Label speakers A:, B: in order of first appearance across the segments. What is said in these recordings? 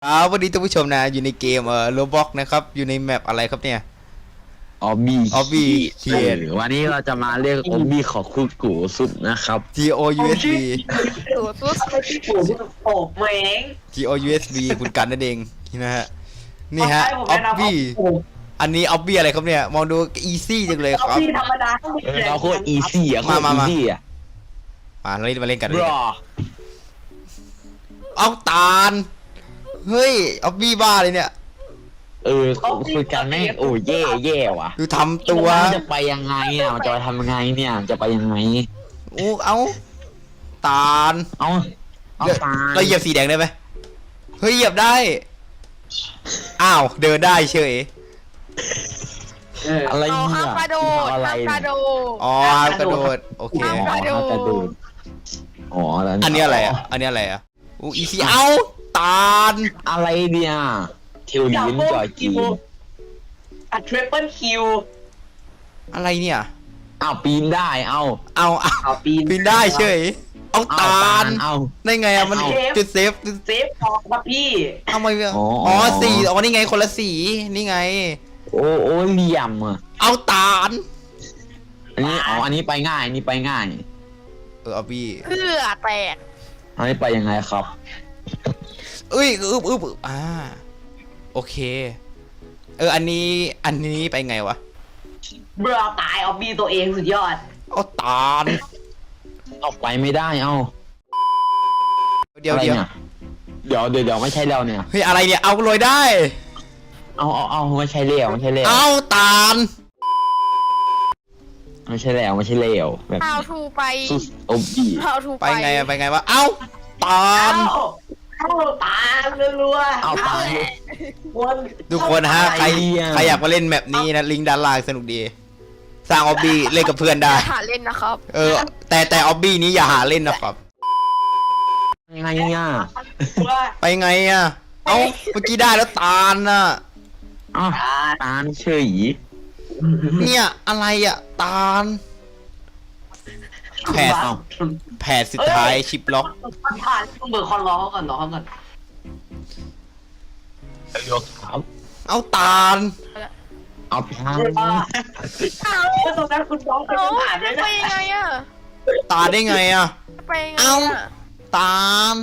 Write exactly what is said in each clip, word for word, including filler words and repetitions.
A: ครับวันนี้ท่านผู้ชมนะอยู่ในเกมเอ่อโรบ็อกนะครับอยู่ในแมปอะไรครับเนี่ย
B: ออบบี้
A: Obby
B: เขียนวันนี้เราจะมาเรียกออบบี้ของคุณกูสุดนะครับ
A: G O U S B
C: ตัวตัวไม่ใช่ปู่ที่โอบแมง
A: G O U S B คุณกันนั่นเองนะฮะนี่ฮะ
C: ผม
A: อ
C: แนะ
A: อบ
C: นำ
A: บี้อันนี้ออบบี้อะไรครับเนี่ยมองดูอีซี่จังเลยค
C: เอา
A: รับ
C: พี่ธรรมดา
B: เราโคตรอีซี่อะโคตร
A: มา
B: อี
A: มา
B: ซี่อะ
A: มาเล่นมาเล่นกัน
B: บ
A: เลย
B: รอ
A: เอาตาลเฮ้ยออบบี้บ้าเลยเนี่ย
B: เออคุยกันแม่งโอ้เย่เย่ว่ะ
A: ดูทำตัว
B: มันจะไปยังไงอ่ะมันจะไปทำยังไงเนี่ยจะไปยังไง
A: โอ้เอาตาล
B: เอาเอาตา
A: เราเหยียบสีแดงได้ไหมเฮ้ยเหยียบได้อ้าวเดินได้เฉย
B: อะไร
C: เอา
B: เนี่
C: ห้าม
B: ย
C: กระโดด
B: อะไร
C: ห้ามกระโดด
A: อ๋อห้ามกระโดดโอเค
B: อ๋อห้ามกระโดดอ๋อแล้ว
A: อันนี้อะไรอ่ะ อันนี้อะไรอ่ะอู้อีซีเอาตาล
B: อะไรเนี่ยเทวลินจอยจีน
C: อะทริปเปิลคิว
A: อะไรเนี่ย
B: อ้าวปีนได้เอา
A: เอาเอา
C: เอาปีน
A: ปีนได้เฉย เอา
B: เอา
A: ตาล
B: เอา
A: ได้ไงอ่ะ มัน
B: เอา
A: จุดเซฟ
C: เซฟพอครับพี่
A: เอามา
B: อ๋ออ๋
A: อ๋อสีอ๋อ นี่ไงคนละสี นี่ไง
B: โอ้โอ้เหลี่ยมอ่ะ
A: เอาตาล
B: อันนี้อ๋ออันนี้ไปง่ายอันนี้ไปง่าย
A: เออเอาบี้
C: เพื่อแตก
B: อันนี้ไปยังไงครับ
A: เอ้ยอึบอึบอึบอ่า โอเค เออ อันนี้ อันนี้ไปไงวะ
C: เบื่อตายเอาบีตัวเองสุดยอด
A: เอาตาล
B: เอาไปไม่ได้เอา
A: เดี๋ยว
B: อะไร
A: เดี๋ยว
B: นี่เดี๋ยวเดี๋ยวเดี๋ยวไม่ใช่แล้วเนี่ย
A: เฮ้ย อะไรเนี่ย เอาเลยได้
B: เอาเอาเอาไม่ใช่แล้วไม่ใช่แล้ว
A: เอาตาล
B: ไม่ใช่แล้วไม่ใช่แล้วแบบ
C: เอาทูไป
B: สุดโอบบี้
C: เอาทู
A: ไป
C: ไป
A: ไงอะไปไงวะ เอาตา
C: เอา
A: ล
C: เอาตารัวๆ
B: เอาตาย
C: วน
A: ทุกคนฮะ ใคร
B: ไอ้เหี้ย
A: ใครอยากมาเล่นแมปนี้นะ ลิงก์ด้านล่างสนุกดี สร้างออบบี้เล่นกับเพื่อนได้
C: หาเล่นนะครับ
A: เออ แต่แต่ออบบี้นี้อย่าหาเล่นนะครับ
B: ยังไงเนี่ย
C: ว่า
A: ไปไงอ่ะ เอ้า เมื่อกี้ได้แล้วตาลน่ะ
B: อ้าว
C: ตา
B: ตาลเฉย
A: เนี่ยอะไรอ่ะ ตาล แผด แผดสุดท้ายชิปล็อก
C: ผ่านต้องเบิกคอนรอเขาก่อนรอเขาก่อน
B: ยกครับ
A: เอาตาล
B: เอาตาล
C: อ้าวตรงนั้นคุณน้องคุณผ่านไม่
D: ไป
C: ได้
D: ยังไงอะ
A: ตาลได้ไงอ่ะ
D: ไปยังไง
A: เอ้า
D: อะ
A: ตาล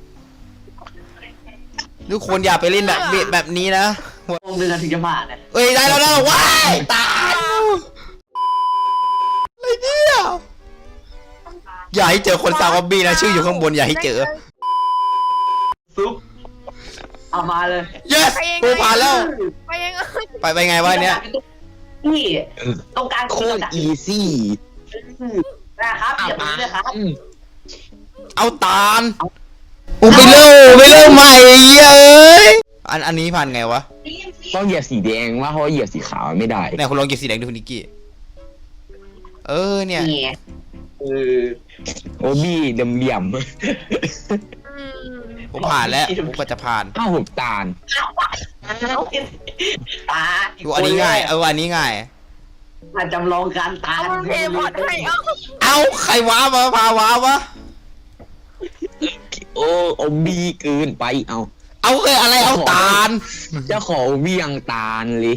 A: ทุกคนอย่าไปเล่นแบบแบบนี้นะ
C: วงเดือนถึงจะผ่านเนี่ย
A: เอ้ยได้แล้วได้แล้วว้ายตายอะไรเนี่ยอย่าให้เจอคนสร้างออบบี้นะชื่ออยู่ข้างบนอย่าให้เจอ
C: ซุปเอามาเลย
A: yes กูผ่านแล้ว
D: ไปยังไง
A: ไปไปไงวะเนี่ย
C: นี่ตรงกลาง
B: โคตรอีซี่
C: นะครับ
B: เอา
C: อย่าไป
B: ตาล
C: เลยครับ
A: เอาตาลอูไปเริ่มไปเริ่มใหม่เย้ยอันอันนี้ผ่านไงวะ
B: ต้องเหยียบสีแดงว่าเพราะว่าเหยียบสีขาวไม่ได้
A: ไหนคุณลองเก็บสีแดงดูคุณนิกกี้เออเนี่ย
C: นี่เออ
B: โอบบี้เดี่ยมเหลี่ยม
D: อืม
A: ผมผ่านแล้วผมก็จะผ่าน
B: อ้าวผมตาล
C: ตา
A: ดูอันนี้ง่ายเอออันนี้ง่าย
C: มาจำลองการตา
D: เอามันเพย์พอดให้เอา
A: เอาใครว้ามาพาว้าวะ
B: โอ้โอบบี้เกินไปเอา
A: เอาเคยอะไรเอาตาล
B: เจ้าของโอบบี้ยังตาลเลย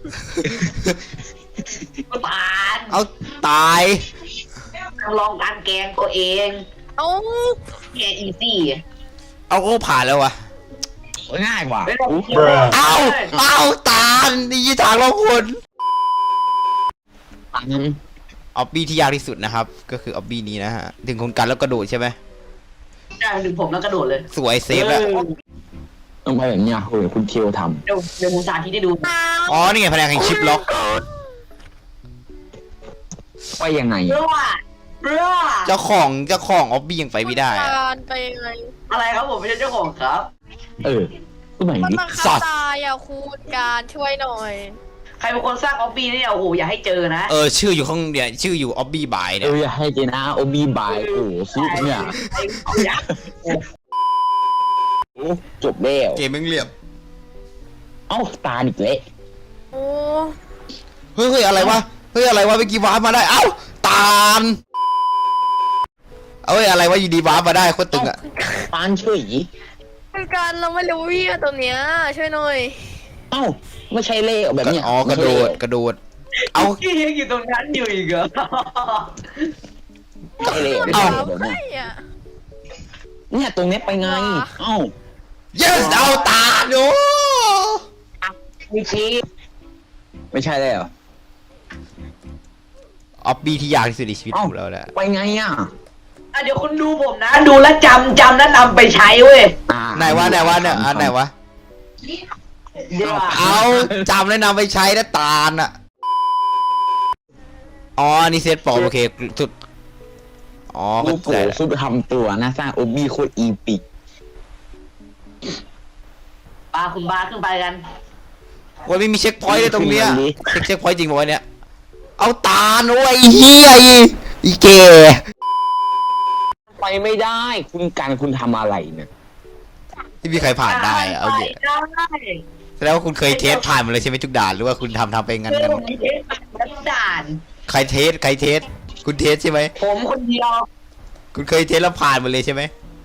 C: ตา
A: เอาตาย
C: จำลองการแกงตัวเอง
D: เอา
C: แกอีซี่
A: เอาโอ้ผ่านแล้ววะ
B: ง่ายกว่า
A: เอาเอาตาลนี่ทางเราคน
B: ตาล
A: ออบบี้ที่ยากที่สุดนะครับ ก็คือออบบี้นี้นะฮะถึงคนกันแล้วกระโดดใช่ไหม
C: ได้ถึงผมแล้วกระโดดเลย
A: สวยเซฟแล้ว
B: ต้องไปแบบเนี้ยโอ้ยคุณเคียวท
C: เดี๋ยวเดี๋ยวผมสาธิตให้ดู
A: อ๋อนี่ไงแผนกแห่งชิปล็อก
B: ำไปยังไง
C: เรือเรือ
A: เจ้าของเจ้าของออบบี้ยังไปไม่ได้อะ
D: การไปยังไง
C: อะไรครับผมไม่ใช่เจ้าของครับ
B: เออก็ไหน
D: มัน
B: ดิ
D: บังคับตายอ่ะคุณการช่วยหน่อย
C: ใครเป็นคนสร้างออบบี้เนี่ยโอ้โหอย่าให้เจอนะ
A: เออชื่ออยู่ข้างเนี่ยชื่ออยู่ออบบี้บาย
B: เอ
A: เนี่ย
B: ออย่าให้เจนะโอบี้บายโอ้ซุปเนี่ย
C: อย่า
B: โอ้จบแล้ว
A: เกมแม่งเหลี่ยม
B: เอ้าตาอีกแล้ว
D: โอ้
A: เฮ้ยเฮ้ยอะไรวะเฮ้ยอะไรวะเมื่อกี้วาร์ปมาได้เอ้าตาลเอ้ยอะไรวะอยู่ดีวาร์ปมาได้โคตรตึงอะ
B: ตาลเฉย
D: ไปคุยกันเราไม่รู้วิ่งตรงเนี้ยช่วยหน่อย
B: เอ้าไม่ใช่เล่แบบเนี้ย
A: อ๋อกระโดดกระโดด เอา
C: พี่ยังอยู่ตรงนั้นอยู่อีกเหรอ
B: ไม่ใช่เล่
D: มัน
B: เอ้า
D: ถามใครอ่ะ
B: เนี่ยตรงเนี้ยไปไงเอ้า
A: yes เอาตาดู
C: มีชี
B: ไม่ใช่เลยเหรอ
A: ออบบี้ที่ยากที่สุดในชีวิต
B: เอ้า
A: ของเราแหละ
B: ไปไงอ่ะ
C: อ่ะเดี๋ยวคุณดูผมนะ ดูแลวจำจำแล้วนำไปใช้เว้ย
B: อ่า
A: ไหนวะไหนวะเนี่ยอันไหนวะ
C: เดี๋ยว
A: เอาจำแล้วนำไปใช้นะตาลอ่ะ อ๋อ นี่เซตปลอมโอเคสุด อ๋อ
B: ลู
A: เข้าก
B: โก
A: ใจแล้ว
B: ซุปทำตัวนะสร้างโอบี้โคตรอีปิก
C: ปาคุณบาสขึ้นไปกัน
A: ว่าไม่มีเช็คพอยต์เลยตรงเนี้ยเช็คเช็คพอยต์จริงป่าวะเนี่ย เอาตาลโอ้ยไอ้เฮียอีอีเก
B: ไปไม่ได้ คุณกันคุณทำอะไรเนี่ย
A: ที่มีใครผ่านได้อะเอาเดี๋ยว
C: ได้
A: แสดงว่าคุณเคยเทสผ่านมาเลยใช่ไหมทุกด่านหรือว่าคุณทำทำไปงั้น
C: เรื่
A: กั
C: อน งนี้เทสบันดาล
A: ใครเทสใครเทส คุณเทสใช่ไหม
C: ผมคนเดียว
A: คุณเคยเทสแล้วผ่านมาเลยใช่ไหม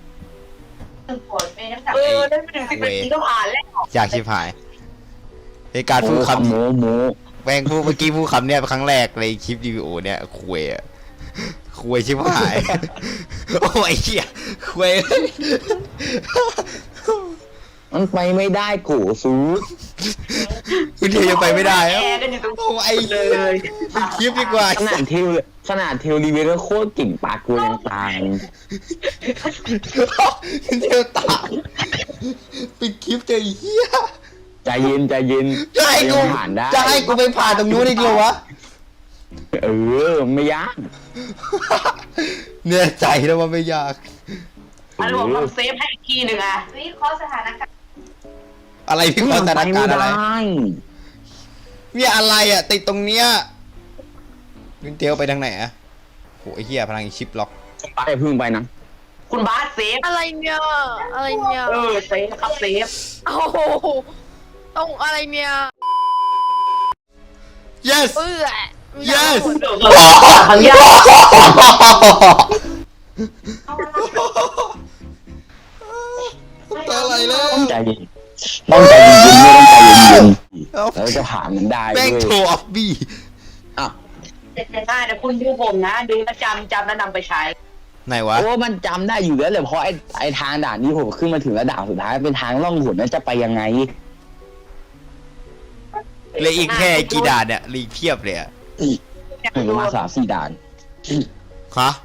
C: เออได้ไปถึงสิบนาทีก็ผ่านแล้ว
A: อยากชิบหายในการพูดคำ
B: โมโม
A: แม่งพูดเมื่อกี้พูดคำเนี้ยเป็นครั้งแรกในคลิปรีวิวเนี่ยคุยอะคุยชิบหาย โอ้ยเหี้ยคุย
B: มันไปไม่ได้โกซู
A: คุณเทียยังไปไม่ได้
C: แอ
A: อะ
C: ร์กันอยู่ตรง
A: โอ้ไอ้
C: เล
A: เลย
C: ย
A: ปิดคลิปดีกว่า
B: ขนาดเทลขนาดเทลรีเวอร์โคตรเก่งปากกูยังตาย
A: คุณเทียตายปิดคลิปเจอไอ้เหี้ย
B: ใจเย็นใจเย็น
A: จะให้กู
B: ยังผ่านได้
A: จะให้กูไปผ่านตรงนู้นอีกเหรอวะ
B: เออไม่ยาก
A: เนี่ยใจแล้วว่าไม่ยาก
C: อันนี้ผมทำเซฟให้อีกทีหนึ่งอะวิเคราะห์สถานการณ์
A: อะไรพี่ขอสถานการณ์อะไร
B: ม่ด้
A: เนี่ยอะไรอ่ะติดตรงเนี้ยคุณเทียวไปทางไหนอ่ะโหไอ้เหี้ยพลังอีชิปล็อก
B: ไปพึ่งไปนะ
C: คุณบาสเซฟ
D: อะไรเนี่ยอะไรเนี่ย
C: เออเซฟครับเซฟ
D: โอ้โหต้องอะไรเนี่ย
A: yes
D: เปื่อ
A: yes
C: ครั้งยาก
A: อะไรแล้ว
B: ต้องใจเย็นต้องใจเย็นๆไม่ต้องใจเย็น
A: เอา
B: ๆแล้วจะผ่านมันได้
A: แม่ง
B: ด้
A: โช
B: วย
A: ว์ออฟบี้
B: อ่ะ
C: ได้แต่คุณดูผมนะ ดูแลวจำจำแล้วนำไปใช้
A: ไหนวะ
B: โอ้มันจำได้อยู่แล้วเลยเพราะไอ้ไอ้ทางด่านนี้ผมขึ้นมาถึงระดับสุดท้ายเป็นทางล่องหนนั้นจะไปยังไง
A: เหลยอีกแค่กี่ด่านเนี่ยเหลยอีกเพียบเลยอะ
B: ถึงมาสามสี่ด่าน
A: ฮะ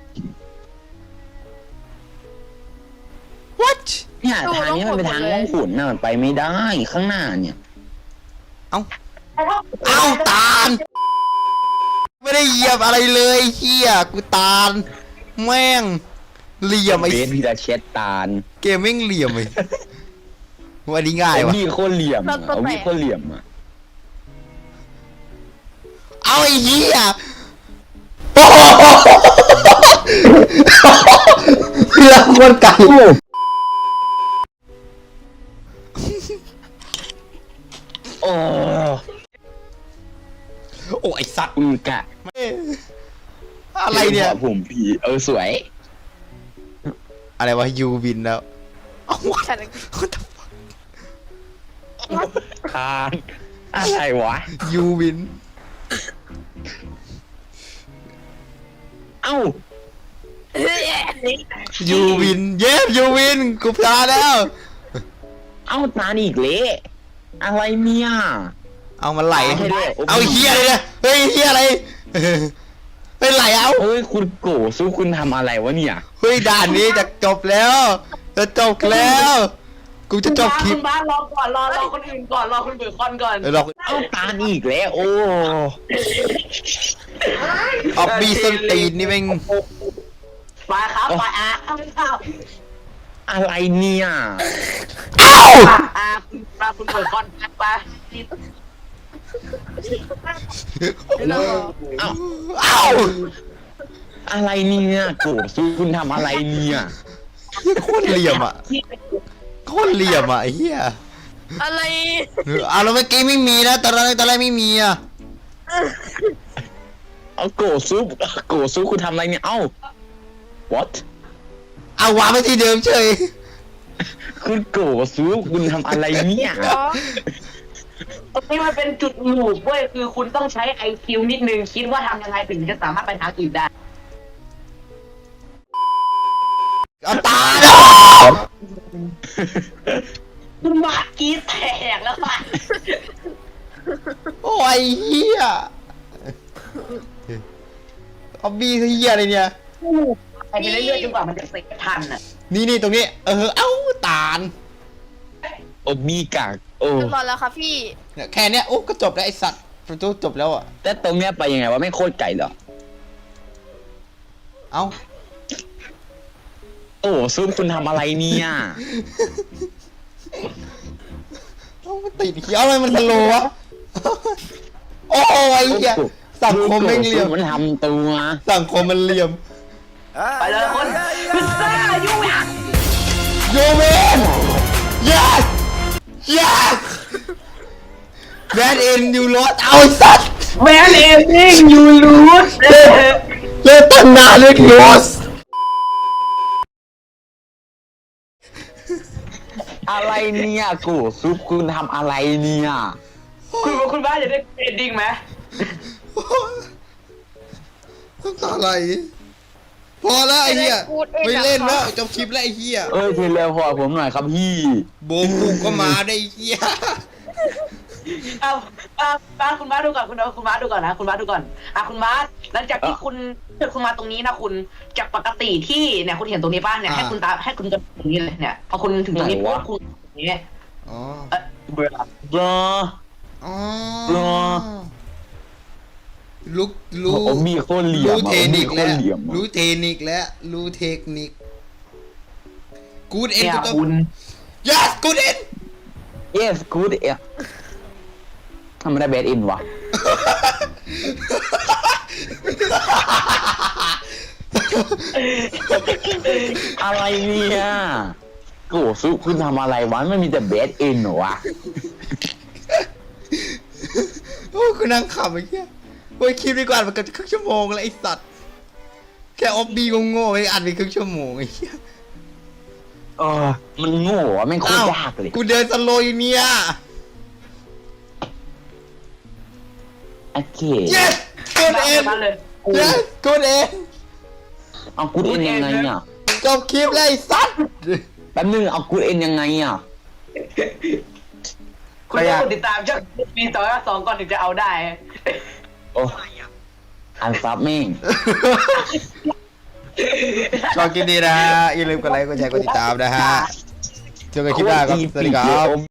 A: what
B: เนี่ยทางนี้มันเป็นทางล่องขุนน่ะมันไปไม่ได้ข้างหน้าเนี่ย
A: เอ้าเอ้าตาล ไม่ได้เหยียบอะไรเลยเฮียกูตาล แม่งเหลี่ยมไอ้
B: เบสพีระเชตตาล
A: เกมแม่งเหลี่ยมไอ้วันนี้ง่าย
B: ไอ้
A: วะ
B: นี่โคตรเหลี่ยมอะเอานี่โคตรเหลี่ยมอ่ะ
A: เอาไอ้เหี้ยโอ้โหเพื่อนคนไก่
B: โอ้
A: โอ้ไอสัตว์
B: อือกะ
A: อะไรเนี่ย
B: ผมผีเออสวย
A: อะไรวะยูบินแล้วเอาวะ
D: ฉัน
B: คานอะไรวะ
A: ยูบิน
B: เอ้า
A: ยูวินเย้ยูวินกูพลาดแล้ว
B: เอ้าตาอีกเละอะไรเนี่ย
A: เอามันไหล
B: ไม่ใช่ด้วย
A: เอาเฮียเลยนะเฮ้ยเฮียอะไรเฮ้ยไหลเอา
B: เฮ้ยคุณโกสู้คุณทำอะไรวะเนี่ย
A: เฮ้ยด่านนี้จะจบแล้วจะจบแล้ว กูจะจบคลิป
C: คุณบาสรอก่อนรอรอคนอื่นก่อนรอคุณเบิร์คอนก่อน
A: เออเรา
B: เอ้าตาอีกแล้วโอ้
A: ออกบีส้นตีนนี่แม่ง
C: ไปครับไปอ่ะเอาไม่เข้า
B: อะไรเนี่ย
A: เอ้า
C: อ่ะคุณมาคุณเบิร์คอนไป
D: เลิก
B: เอ้า
A: เอ้า
B: อะไรเนี่ยโกสู้คุณทำอะไรเนี่ย
A: โคตรเหลี่ยมอ่ะโคตรเหลี่ยมอ่ะไอ้เหี้ย
D: อะไร
A: อ่ะแล้วเมื่อกี้ไม่มีนะตอนแรกตอนแรกไม่มีอ่ะ
B: เอาโกสู้โกสู้คุณทำอะไรเนี่ยเอ้า what
A: เอาวางไปที่เดิมเฉย
B: คุณโกซูคุณทำอะไรเนี่ย
D: เหรอ
C: ตรงนี้มันเป็นจุดหมู่เว้ยคือคุณต้องใช้ไอคิวนิดนึงคิดว่าทำยังไงถึงจะสามารถไปทางอื่นได้
A: เอาตาล
C: คุณมาร์กี้แตกแล้วป่ะ
A: โอ้ยเฮียเอาบีเฮียอะไรเนี่ย
C: ไปเรื่อยๆจนกว่ามันจะเสร็จทันอ่ะ
A: นี่นี่ตรงนี้ เออ เอ้าตาล
B: โอ้มีกากโอ้
D: เรียบร้อยแล้วครับพี่
A: เนี่ยแค่เนี้ยโอ้ก็จบแล้วไอสัตว์ประตูจบแล้วอ่ะ
B: แต่ตรงเนี้ยไปยังไงวะไม่โคตรไก่เหรอ
A: เอ้า
B: โอ้ซูคุณทำอะไรเนี่ย
A: เอ้ามันติดเขียวอะไรมันสโลว์วะ โอ้ยเฮียสังคมไม่งเหลี่ยม
B: มันทำตัว
A: สังคมมันเหลี่ยม
C: ไปเลยคนพิซซ่ายุ่งอ่ะ
A: โยเมน yes yes แบนเอ็นยูโรสเอาไอ้สัตว์
C: แมนเอซิ่งยูรูส
A: เล่นตั้งนานเลยโรส
B: อะไรเนี่ยโกซูคุณทำอะไรเนี่ย
C: คุณคุณบ้านจะได้เอนดิ้งไหม
A: น้ำตาไหลพอแล้วไอ้เหี้ยไม่เล่นแล้วจบคลิปแล้วไอ้เหี้ย
B: เอ้ยเทเลพอร์ตผมหน่อยครับพี่
A: โบกูก็มาได้ไอ้เหี้ย
C: เอาเอาบ้านคุณบ้านดูก่อนคุณคุณบ้านดูก่อนนะคุณบ้านดูก่อนอ่ะคุณบ้านหลังจากที่คุณคุณมาตรงนี้นะคุณจากปกติที่เนี่ยคุณเห็นตรงนี้บ้านเนี่ยให้คุณตาให้คุณจะตรงนี้เลยเนี่ยพอคุณถึงตรงนี้ปุ๊บคุณตรงนี้
A: อ๋อ
C: เออเบื่อ
B: รอ
A: อ๋อ
B: รอ
A: ลุกรู้
B: โอ้มีโคตรเหลี่ยม
A: รู้เทคนิค
B: โค
A: แล้
B: ต
A: ว
B: รเหลี่ยม
A: รู้เทคนิคแล้วรู้เทคนิคกูดเอ็น
C: เนี่ย
A: กูต้อง
C: คุณ
A: yes กูดเอ็น
B: เยสกูดเอะทำไมได้เบสอินวะ อะไรเนี่ยโกซุคุณทำอะไรวะไม่มีแต่เบสอินเหรอวะ
A: โอ้กูนั่งขำไอ้เหี้ยโอ้ยคลิปดีกว่ามันเกือบจะครึ่งชั่วโมงแล้วไอ้สัตว์แค่ออบบี้โง่ๆไอ้อัดไปครึ่งชั่วโมงไอ้เหี้ย
B: เออมันโง่อะไม่งโคตรยากเลย
A: กูเดินสโลว์อยู่เนี่ย
B: โอเค
A: yes กูดเอ็น
C: บ้านเลย
A: yes กูดเอ็น
B: เอากูดเอ็นยังไงอ่ะ
A: จบคลิปแล้วไอ้สัตว์
B: แป๊บนึงเอากูดเอ็นยังไงอ่ะ
C: คุณต้องกดติดตามช่องปีสองสองก่อนถึงจะเอาได้
B: โอ้อันซับแม่ง
A: ชอบคลิปนี้นะฮะอย่าลืมกดไลค์กดแชร์กดติดตามนะฮะเจอกันคลิปหน้าครับสวัสดีครับ